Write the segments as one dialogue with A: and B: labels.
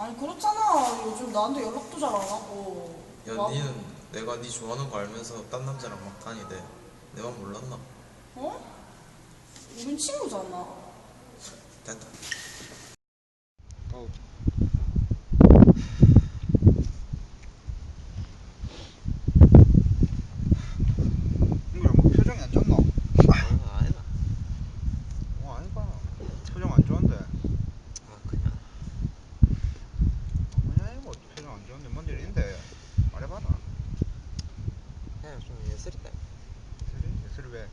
A: 아니 그렇잖아. 요즘 나한테 연락도 잘 안 하고.
B: 야,
A: 나,
B: 니는 내가 니 좋아하는 거 알면서 딴 남자랑 막 다니대. 내가 몰랐나?
A: 어? 우린 친구잖아.
B: 됐다.
C: 어우, 이거 뭐 표정이 안 좋노?
B: 아니다.
C: 아니까 표정 안 좋은데.
B: 그냥.
C: 그냥 이거 표정 안 좋은데 뭔 일인데 말해봐라.
B: 그냥 좀 예술이다.
C: 예슬이 왜?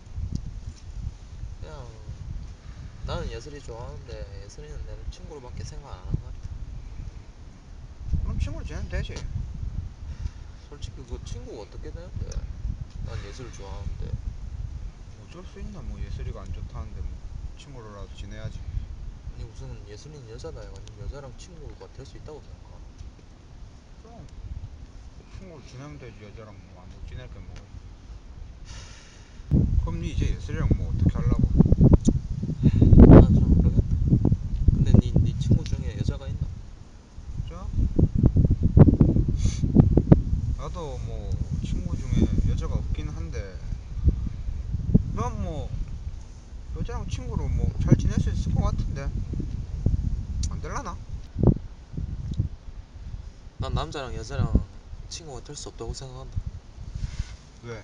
B: 그냥 나는 예술이 좋아하는데 예술이는 내 친구로밖에 생각 안 하는 것 같아.
C: 그럼 친구로 지내면 되지.
B: 솔직히 그 친구가 어떻게 되는데? 난 예술을 좋아하는데.
C: 어쩔 수 있나 뭐 예슬이가 안 좋다는데 뭐 친구로라도 지내야지.
B: 아니 무슨 예술이는 여자다 해가지고 여자랑 친구가 될 수 있다고 생각하?
C: 그럼 친구로 지내면 되지. 여자랑 뭐 안 지낼 게 뭐. 그럼 니 이제 예슬이랑 뭐 어떻게 하려고?
B: 난 좀 모르겠다. 근데 니 친구 중에 여자가 있나?
C: 자, 나도 뭐 친구 중에 여자가 없긴 한데 난 뭐 여자랑 친구로 뭐 잘 지낼 수 있을 것 같은데 안 될라나?
B: 난 남자랑 여자랑 친구가 될 수 없다고 생각한다.
C: 왜?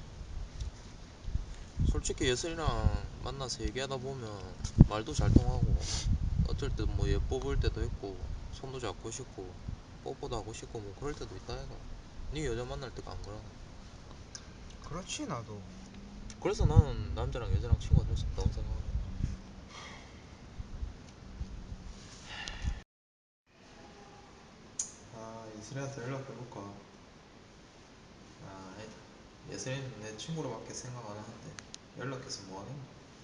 B: 솔직히 예슬이랑 만나서 얘기하다 보면 말도 잘 통하고 어쩔 때 뭐 예뻐 보일 때도 있고 손도 잡고 싶고 뽀뽀도 하고 싶고 뭐 그럴 때도 있다 해가. 네 여자 만날 때가 안 그러나?
C: 그렇지 나도.
B: 그래서 나는 남자랑 여자랑 친구가 될 수 없다고 생각한다. 예슬이한테 연락해볼까? 아니다. 예슬이는 내 친구로밖에 생각 안 하는데 연락해서 뭐하겠노?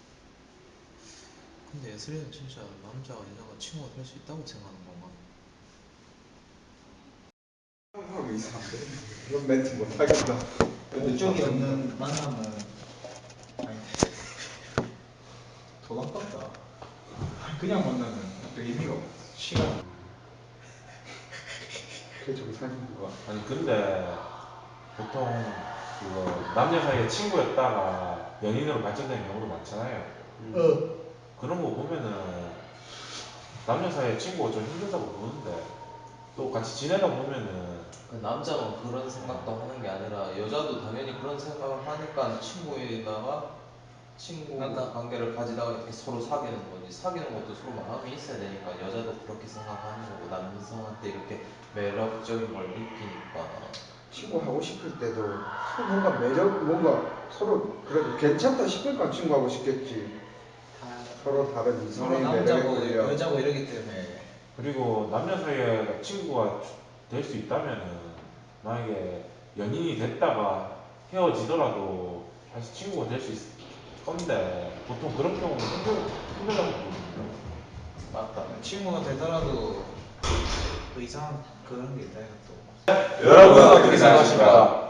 B: 근데 예슬이는 진짜 남자와 여자가 친구가 될 수 있다고 생각하는 건가?
D: 하고 있어. 이런 멘트 못 하겠다.
E: 목적이 없는 만남은 아니 돈 아깝다. 그냥 만나면 또 의미가 없어. 시간.
D: 그래 저기 사는 거야.
F: 아니 근데 보통 그 남녀 사이에 친구였다가 연인으로 발전되는 경우도 많잖아요. 그런 거 보면은 남녀 사이에 친구가 좀 힘들다고 보는데 또 같이 지내다 보면은
G: 그 남자만 그런 생각도 하는 게 아니라 여자도 당연히 그런 생각을 하니까 친구에다가 친구
E: 그러니까
G: 관계를 가지다가 이렇게 서로 사귀는 거지. 사귀는 것도 서로 마음이 있어야 되니까 여자도 그렇게 생각하는 거고 남성한테 이렇게 매력적인 걸 느끼니까.
D: 친구 하고 싶을 때도 서로 뭔가 매력 뭔가 서로 그래도 괜찮다 싶으니까 친구 하고 싶겠지.
E: 다
D: 서로 다른
E: 서로
D: 이성의 매력에
E: 남자고
D: 끌려.
E: 여자고 이러기 때문에
F: 그리고 남녀 사이에 친구가 될 수 있다면은 만약에 연인이 됐다가 헤어지더라도 다시 친구가 될 수 있을 건데 보통 그런 경우는 힘들다고 보거든요.
G: 맞다.
E: 친구가 되더라도 또 이상한 그런 게 있다 해가 또.
F: 여러분은 어떻게 생각하십니까?